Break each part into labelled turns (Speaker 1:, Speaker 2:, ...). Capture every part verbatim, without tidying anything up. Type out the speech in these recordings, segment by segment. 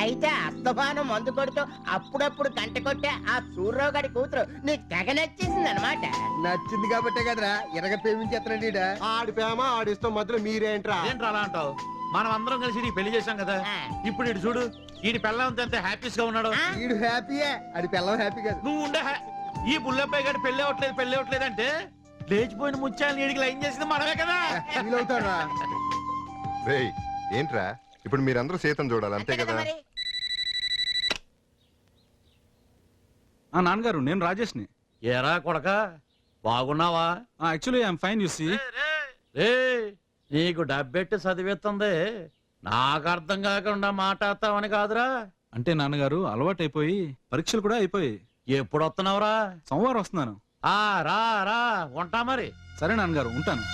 Speaker 1: అయితే అస్తమానం మందు కొడుతూ అప్పుడప్పుడు గంట కొట్టే ఆ సూర్యరావు గారి కూతురు నీకు తెగ నచ్చేసింది అనమాట.
Speaker 2: నచ్చింది కాబట్టే కదరా ఇరగ ప్రేమించేస్తున్నాడు ఈడ.
Speaker 3: ఆడి ప్రేమ ఆడిస్తాం మధ్యలో మీరేంట్రా?
Speaker 4: ఏంట్రా అలా అంటావు? మనం అందరం కలిసి నీకు పెళ్లి చేశాం కదా, ఇప్పుడు ఇటు చూడు, ఈడి పెళ్ళంతా ఎంత హ్యాపీస్ గా ఉన్నాడు.
Speaker 2: ఈడు హ్యాపీయే, అది పిల్లం హ్యాపీ కాదు.
Speaker 4: నువ్వు ఉండే ఈ బుల్లబ్బాయి గారు పెళ్లి అవ్వట్లేదు పెళ్లి అవ్వట్లేదు అంటే లేచిపోయిన ముత్యాలను నీడికి లైన్ చేసింది మనమే కదా.
Speaker 2: ఫీల్ అవుతాడురా.
Speaker 5: రేయ్ ఏంట్రా ఇప్పుడు మీరందరూ సీతను చూడాలి అంతే కదా?
Speaker 6: ఆ నాన్నగారు, నేను రాజేష్ని.
Speaker 4: ఏరా కొడక బాగున్నావా?
Speaker 6: Actually I'm fine. You see,
Speaker 4: రే నీకు డబ్బెట్టి చదివేస్తుంది, నాకు అర్థం కాకుండా మాట్లాడతావని కాదురా.
Speaker 6: అంటే నాన్నగారు అలవాటు అయిపోయి పరీక్షలు కూడా అయిపోయి.
Speaker 4: ఎప్పుడు వస్తున్నావురా?
Speaker 6: సోమవారం వస్తున్నాను.
Speaker 4: ఆ రా రా ఉంటా మరి.
Speaker 6: సరే నాన్నగారు, ఉంటాను.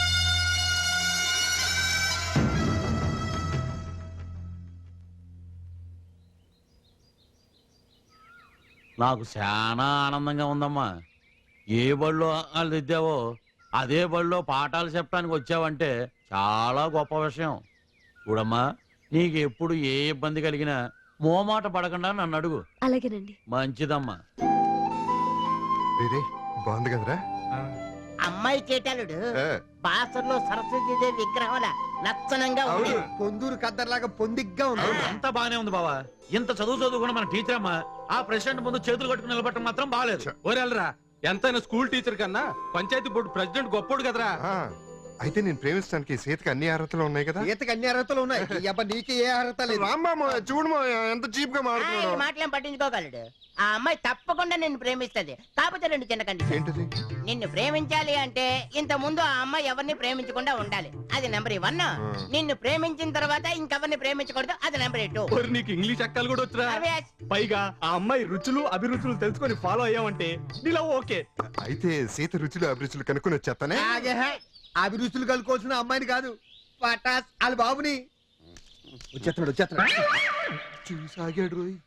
Speaker 4: నాకు చాలా ఆనందంగా ఉందమ్మా. ఏ బడిలో వాళ్ళు దిద్దావో అదే బడిలో పాఠాలు చెప్పడానికి వచ్చావంటే చాలా గొప్ప విషయం. చూడమ్మా, నీకు ఎప్పుడు ఏ ఇబ్బంది కలిగినా మోమాట పడకుండా నన్ను అడుగు.
Speaker 7: అలాగేనండి.
Speaker 4: మంచిదమ్మా.
Speaker 5: బాగుంది కదరా
Speaker 1: అమ్మాయి చేటాలుడు బాసర్లో సరస్వతి విగ్రహం లక్షణంగా ఉంది.
Speaker 2: పొందూరు కద్దర్లాగా పొందిగ్గా ఉంది.
Speaker 4: అంతా బానే ఉంది బావా. ఇంత చదువు చదువుకున్న మన టీచర్ అమ్మా ఆ ప్రెసిడెంట్ ముందు చేతులు కట్టుకుని నిలబడటం మాత్రం బాగాలేదు.
Speaker 6: ఓరెళ్ళరా, ఎంతైనా స్కూల్ టీచర్ కన్నా పంచాయతీ బోర్డు ప్రెసిడెంట్ గొప్పోడు కదరా.
Speaker 5: అయితే నేను ప్రేమించడానికి సీతకి అన్ని అర్హతలు ఉన్నాయి కదా?
Speaker 2: సీతకి అన్ని అర్హతలు ఉన్నాయి. నీకు ఏ అర్హత లేదు.
Speaker 5: రామ్మా చూడమా ఎంత చీప్ గా మాట్లాడుతున్నాడు.
Speaker 1: మాటలేం పట్టించుకోగలడు. ఆ అమ్మాయి తప్పకుండా నిన్ను ప్రేమిస్తది. కాకపోతే రెండు చిన్న కండిషన్.
Speaker 5: ఏంటది?
Speaker 1: నిన్ను ప్రేమించాలి అంటే ఇంత ముందు ఆ అమ్మాయి ఎవరిని ప్రేమించకుండా ఉండాలి. అది నెంబర్ వన్. నిన్ను ప్రేమించిన తర్వాత ఇంకెవరిని ప్రేమించకూడదు. అది నెంబర్ టూ.
Speaker 6: నీకు ఇంగ్లీష్ అక్కలు కూడా వచ్చరా? పైగా ఆ అమ్మాయి రుచులు అభిరుచులు తెలుసుకొని ఫాలో అయ్యామంటే నీలా ఓకే.
Speaker 5: అయితే సీత రుచులు అభిరుచులు కనుక్కొని వచ్చేస్తానే.
Speaker 2: అభిరుచులు కలుకోవాల్సిన అమ్మాయిని కాదు, పటాస్ వాళ్ళ బాబుని. వచ్చేస్తున్నాడు వచ్చేస్తున్నాడు.
Speaker 5: చూసాగాడు రోయ్.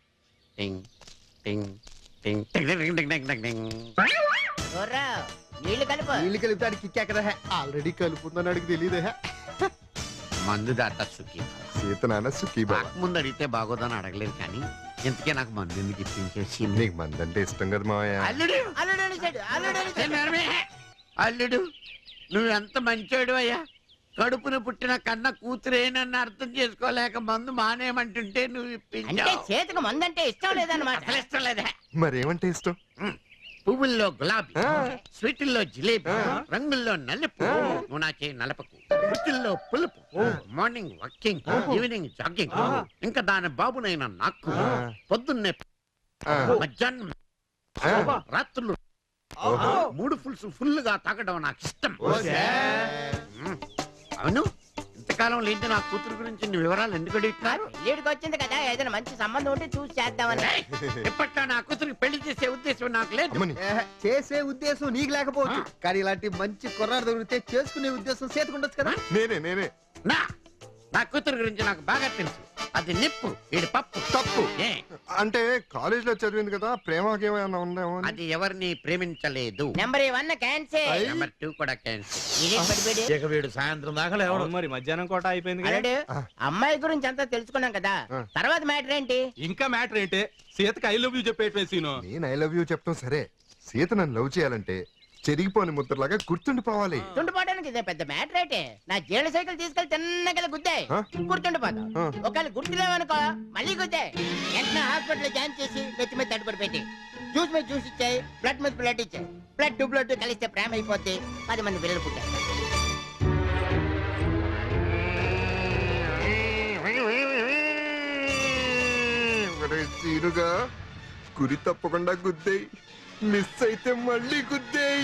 Speaker 1: నీళ్లు కలుపు.
Speaker 2: నీళ్ళు కలిపి కిక్కా కదా.
Speaker 3: ఆల్రెడీ కలుపుందని అడిగి తెలియదే.
Speaker 8: మందు దాట సుఖీ
Speaker 5: సీత నాన్న సుఖీ బాబా.
Speaker 8: ముందు అడిగితే బాగోదని అడగలేదు కానీ ఇంతకే నాకు మందు ఎందుకు ఇప్పించేసి.
Speaker 5: నీకు మందంటే ఇష్టం కదా మావయ్య.
Speaker 8: అల్లుడు
Speaker 1: అల్లుడు అనేసాడు, అల్లుడు అనేసాడు.
Speaker 8: అల్లుడు నువ్వు ఎంత మంచోడు అయ్యా. కడుపున పుట్టిన కన్న కూతురేనన్న అర్థం చేసుకోలేక మందు మానేయమంటుంటే నువ్వు
Speaker 1: అంటే
Speaker 8: ఇప్పించావు.
Speaker 1: చేతికి మందంటే ఇష్టం లేదన్నమాట.
Speaker 8: అసలు ఇష్టం లేదా?
Speaker 5: మరేమంటే ఇష్టం?
Speaker 8: పువ్వుల్లో గులాబీ,
Speaker 5: ఆ.
Speaker 8: స్వీటుల్లో జిలేబీ, రంగుల్లో నలుపు, నువ్వు నా చేయి నలపకు. రుచుల్లో పులుపు, మార్నింగ్ వాకింగ్, ఈవినింగ్ జాగింగ్, ఇంకా దాని బాబునైనా నాకు పొద్దున్నే మధ్యాహ్నం రాత్రులు మూడు ఫుల్స్ ఫుల్ గా తాగడం నాకు ఇష్టం. అవును, ఇంతకాలం లేంటి నా కూతురు గురించి నీ వివరాలు ఎందుకు అడుగుతున్నారు?
Speaker 1: పెళ్ళిడికి వచ్చింది కదా, ఏదైనా మంచి సంబంధం ఉంటే చూసి చేద్దామని.
Speaker 8: ఇప్పట్లో నా కూతురికి పెళ్లి చేసే ఉద్దేశం నాకు లేదు.
Speaker 2: చేసే ఉద్దేశం నీకు లేకపోవచ్చు, కానీ ఇలాంటి మంచి కుర్రాడు దొరికితే చేసుకునే ఉద్దేశం చేతుకుండొచ్చు కదా.
Speaker 5: నేనే నేనే
Speaker 8: నా నా కూతురు గురించి నాకు బాగా తెలుసు. అది నిప్పు, వీడి పప్పు.
Speaker 5: తప్పు
Speaker 8: ఏ
Speaker 5: అంటే కాలేజ్ లో చదివింది కదా, ప్రేమకేమైనా ఉందేమో అని.
Speaker 8: అది ఎవరిని ప్రేమించలేదు.
Speaker 1: Number one cancer.
Speaker 8: Number two కూడా క్యాన్సర్.
Speaker 1: ఇదే పడిపోయాడు.
Speaker 4: ఇక వీడు సాయంత్రం దాకా లేవడు.
Speaker 6: మరి మధ్యాహ్నం కోట అయిపోయింది.
Speaker 1: అల్లుడు, అమ్మాయి గురించి అంతా తెలుసుకున్నాం కదా, తర్వాత మ్యాటర్ ఏంటి?
Speaker 6: ఇంకా మ్యాటర్ ఏంటి? సీతకి ఐ లవ్ యూ చెప్పేట సీను.
Speaker 5: నేను ఐ లవ్ యూ చెప్తాం సరే, సీత నన్ను లవ్ చేయాలంటే చెరిగిపోని ముద్రలాగా గుర్తుండిపోవాలి.
Speaker 1: గుర్తుండిపోవడానికి ఇదే పెద్ద మ్యాటర్ అయితే. నా జీళ్ళ సైకిల్ తీసుకెళ్లి తిన్నగా గుద్దాయి, గుర్తుండిపోతాం. ఒకవేళ గుర్తులేవనుకో మళ్ళీ గుద్దాయి. వెంటనే హాస్పిటల్ జాయిన్ చేసి నెత్తి మీద తడుపుడు పెట్టి జ్యూస్ మీద జ్యూస్ ఇచ్చాయి, బ్లడ్ మీద బ్లడ్ ఇచ్చాయి. బ్లడ్ టు బ్లడ్ కలిస్తే ప్రేమ అయిపోద్ది, పది మంది పిల్లలు పుట్టారు.
Speaker 5: సీనుగా గురి తప్పకుండా గుద్దేయి, మిస్ అయితే మళ్ళీ గుద్దేయి.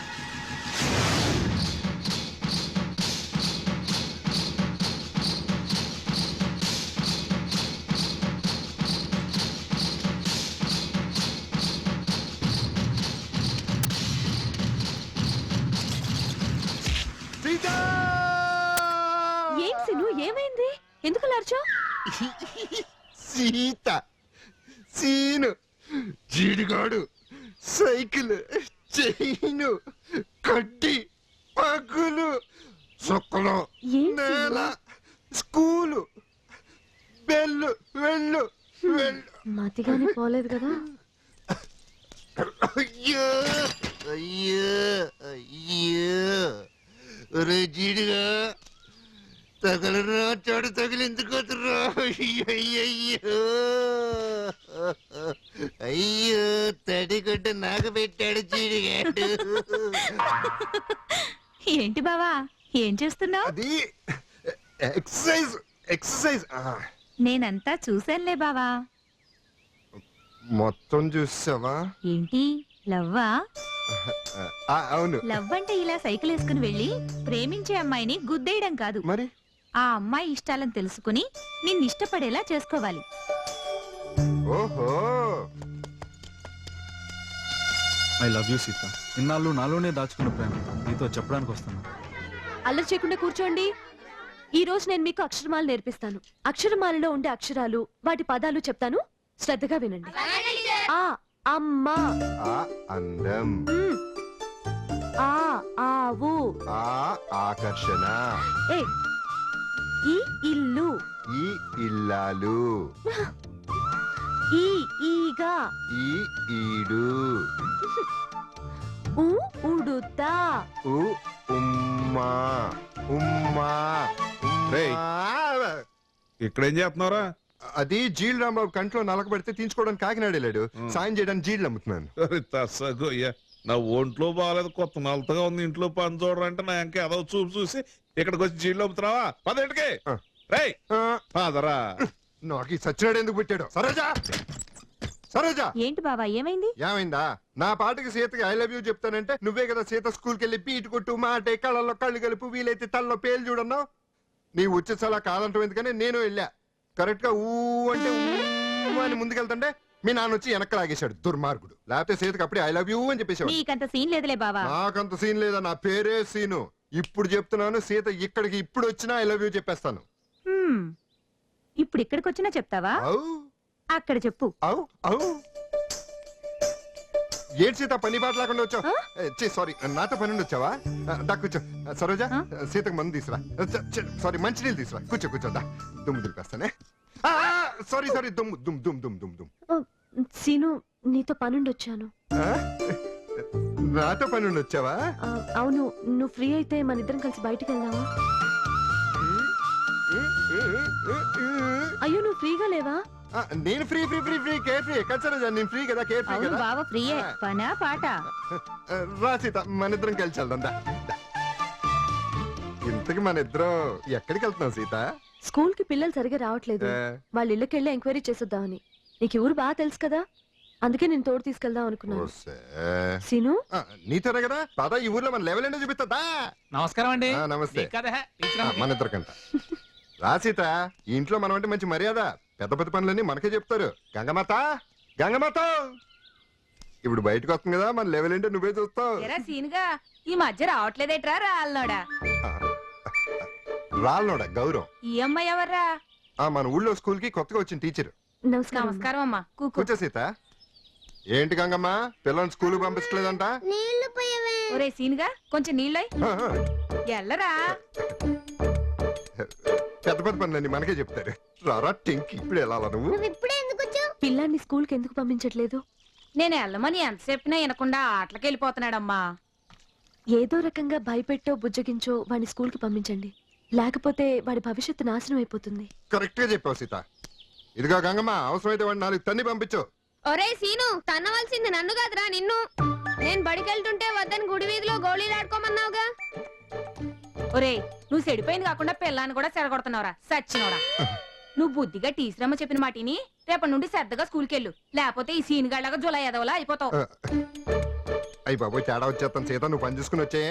Speaker 7: ఏం సిను, ఏమైంది? ఎందుకు లార్చో?
Speaker 5: సీత, సీను, జీడిగాడు, సైకిల్, చైను, కడ్డి, పగులు, చుక్కలు, నేల, స్కూలు, వెళ్ళు వెళ్ళు వెళ్ళు
Speaker 7: మతిగాని పోలేదు కదా.
Speaker 5: అయ్యో అయ్యో అయ్యో ఒరే జీడిగా తగలరా చాడు తగిలిందుకోతురా అయ్యో అయ్యో తడిగొడ్డ నాకు పెట్టాడు జీడిగాడు.
Speaker 7: ఏంటి బావా ఏం చేస్తున్నావు?
Speaker 5: అది ఎక్సర్సైజ్ ఎక్సర్సైజ్
Speaker 7: నేనంతా చూశానులే బావా.
Speaker 5: మొత్తం చూసావా?
Speaker 7: ఏంటి లవ్వా?
Speaker 5: ఆ, అవును
Speaker 7: లవ్ అంటే ఇలా సైకిల్ వేసుకుని వెళ్ళి ప్రేమించే అమ్మాయిని గుద్దేయడం కాదు.
Speaker 5: మరి
Speaker 7: ఆ అమ్మాయి ఇష్టాలను తెలుసుకుని నిన్ను ఇష్టపడేలా చేసుకోవాలి.
Speaker 5: ఓహో
Speaker 6: ఐ లవ్ యూ సీత. ఇన్నాళ్ళు నాలోనే దాచుకున్న ప్రేమ నీతో చెప్పడానికి వస్తున్నా.
Speaker 7: అల్లరి చేయకుండా కూర్చోండి. ఈ రోజు నేను మీకు అక్షరమాల నేర్పిస్తాను. అక్షరమాలలో ఉండే అక్షరాలు వాటి పదాలు చెప్తాను, శ్రద్ధగా వినండి. ఆ అమ్మ,
Speaker 5: ఆ అందం,
Speaker 7: ఉమ్. ఆ ఆవు,
Speaker 5: ఆ ఆకర్షణ,
Speaker 7: ఏ ఈ ఇల్లు,
Speaker 5: ఈ ఇల్లాలు,
Speaker 7: ఈ ఈగ,
Speaker 5: ఈ ఈడు,
Speaker 7: ఉ ఉడుత,
Speaker 5: ఉ ఉమ్మా ఉమ్మా
Speaker 9: రేయ్.
Speaker 5: ఉమ్మా.
Speaker 9: ఇక్కడేం చేస్తున్నారా?
Speaker 5: అది జీల్ రాంబాబు కంట్లో నలక పెడితే తీసుకోవడానికి కాకినాడ వెళ్ళాడు.
Speaker 9: ఉం.
Speaker 5: సాయం చేయడానికి జీళ్ళు అమ్ముతున్నాను.
Speaker 9: తస్సగోయ్యా, నా ఒంట్లో బాగాలేదు, కొత్త నలతగా ఉంది, ఇంట్లో పని చూడరంటే నా ఇంకా ఏదో చూపు చూసి ఇక్కడికి వచ్చి జీళ్ళు అమ్ముతున్నావా? పదేంటికి
Speaker 5: ఆ.
Speaker 9: రేయ్
Speaker 5: ఆ,
Speaker 9: పదరా.
Speaker 5: నాకు ఈ సచ్చినాడు ఎందుకు పెట్టాడు? సరోజా సరోజా
Speaker 7: ఏంటి బావా ఏమైంది?
Speaker 5: ఏమైందా? నా పాటకి సీతకి ఐ లవ్ యూ చెప్తానంటే నువ్వే కదా సీత స్కూల్కి వెళ్ళి పీటు కొట్టు మాటే కళ్ళల్లో కళ్ళు కలుపు వీలైతే తల్లో పేలు చూడన్నావు. నీ ఉచితలా కాదంటావు ఎందుకని నేను వెళ్ళా. కరెక్ట్ గా ఊ అంటే ఊ అని ముందుకెళ్తుంటే మీ నాన్న వచ్చి వెనక్కి లాగేశాడు దుర్మార్గుడు. లేకపోతే సీతకి అప్పుడే ఐ లవ్ యూ అని చెప్పేశాడు.
Speaker 7: నీకంత సీన్ లేదులే బావా.
Speaker 5: నాకంత సీన్ లేదా, నా పేరే సీను. ఇప్పుడు చెప్తున్నాను, సీత ఇక్కడికి ఇప్పుడు వచ్చినా ఐ లవ్ యూ చెప్పేస్తాను.
Speaker 7: హ్మ్. ఇప్పుడు ఇక్కడికి వచ్చినా చెప్తావా?
Speaker 5: అవు
Speaker 7: అక్కడ చెప్పు.
Speaker 5: అవు అవు ఏంటి సీత పని బాట లేకుండా వచ్చావు? సారీ, నాతో పని ఉండి వచ్చావా? దా కూర్చో. సరోజా,
Speaker 7: ఆ?
Speaker 5: సీతకు మందు తీసురా. సారీ, మంచినీళ్ళు తీసురా. కూర్చో కూర్చో. దా దుమ్ము దులిపేస్తానే. సారీ సారీ, దుమ్ము దుమ్ దుమ్ దుమ్ దుమ్ దుమ్.
Speaker 7: సీను నీతో పనుండి వచ్చాను.
Speaker 5: ఆ? నాతో పని ఉండి వచ్చావా?
Speaker 7: ఆ, అవును, నువ్వు ఫ్రీ అయితే మన ఇద్దరం కలిసి బయటికి వెళ్దామా? అయ్యో నువ్వు ఫ్రీగా లేవా?
Speaker 5: ఆ, నేను free free free free care free. ఎక్కడ సరోజా, నేను ఫ్రీ కదా, కేర్ ఫ్రీ
Speaker 7: అవును
Speaker 5: కదా.
Speaker 7: బావ ఫ్రీయే. పనా పాట?
Speaker 5: రా సీత, మన ఇద్దరం కలిసి వెళ్దాం. దా, దా. ఇంతకి మన ఇద్దరం ఎక్కడికి వెళ్తున్నాం సీత?
Speaker 7: స్కూల్ కి పిల్లలు సరిగా రావట్లేదు.
Speaker 5: ఆ,
Speaker 7: వాళ్ళ ఇళ్ళకి వెళ్ళి ఎంక్వైరీ చేసొద్దామని. నీకు ఈ ఊరు బాగా తెలుసు కదా, అందుకే నేను తోడు తీసుకెళ్దాం అనుకున్నాను.
Speaker 5: ఓసే.
Speaker 7: సీను
Speaker 5: ఆ, నీతోనే కదా పద, ఈ ఊర్లో మన లెవెల్ ఏంటో చూపిస్తుందా?
Speaker 6: నమస్కారం అండి.
Speaker 5: ఆ, నమస్తే. ఆ, మన ఇద్దరికంట. రా సీత, ఈ ఇంట్లో మనం అంటే మంచి మర్యాద. పెద్ద పెద్ద పనులన్నీ మనకే చెప్తారు. గంగమాత గంగమాత ఇప్పుడు బయటకు వస్తుంది కదా, మన లెవెల్ ఏంటో నువ్వే చూస్తావు.
Speaker 7: సీనుగా ఈ మధ్య రావట్లేదేట్రా రాళ్ళోడా?
Speaker 5: రాళ్ళోడా గౌరవం.
Speaker 7: ఈ అమ్మాయి ఎవర్రా?
Speaker 5: ఆ, మన ఊళ్ళో స్కూల్ కి కొత్తగా వచ్చిన టీచర్.
Speaker 7: నమస్కారం అమ్మా.
Speaker 5: కూర్చో సీత. ఏంటి గంగమ్మ, పిల్లల్ని స్కూల్ పంపించలేదంట?
Speaker 7: ఒరే సీనుగా కొంచెం నీళ్ళై
Speaker 5: ఆ, ఆ.
Speaker 7: ఎల్లరా.
Speaker 5: పెద్ద పెద్ద పనులన్నీ మనకే చెప్తారు. రారా టెంకి, ఇప్పుడు ఎలా నువ్వు?
Speaker 7: పిల్లాన్ని స్కూల్ కి ఎందుకు పంపించట్లేదు? నేను వెళ్ళమని ఎంత చెప్పినా వినకుండా ఆటలకి వెళ్ళిపోతున్నాడమ్మా. ఏదో రకంగా భయపెట్టో బుజ్జగించో వాడిని స్కూల్ కి పంపించండి, లేకపోతే వాడి భవిష్యత్తు నాశనం అయిపోతుంది.
Speaker 5: కరెక్ట్ గా చెప్పావు సీత. ఇదిగో గంగమ్మ, అవసరమైతే వాడిని నాలుగు తన్ని పంపించు.
Speaker 10: ఒరే సీను, తన్నవలసింది నన్ను కాదురా నిన్ను. నేను బడికెళ్తుంటే వద్దని గుడి వీధిలో గోళీలు ఆడుకోమన్నావుగా.
Speaker 7: ఒరే నువ్వు చెడిపోయింది కాకుండా పిల్లాన్ని కూడా చెడగొడుతున్నావురా సచ్చినోడా. నువ్వు బుద్ధిగా టీచరమ్మ చెప్పిన మాటిని రేపటి నుండి శ్రద్ధగా స్కూల్కి వెళ్ళు, లేకపోతే ఈ సీన్ గాళ్ళగా జులై ఎదవలా అయిపోతావు.
Speaker 5: అయ్యి బాబోయ్, తేడా వచ్చేస్తాను సీత, నువ్వు పని చూసుకుని వచ్చే.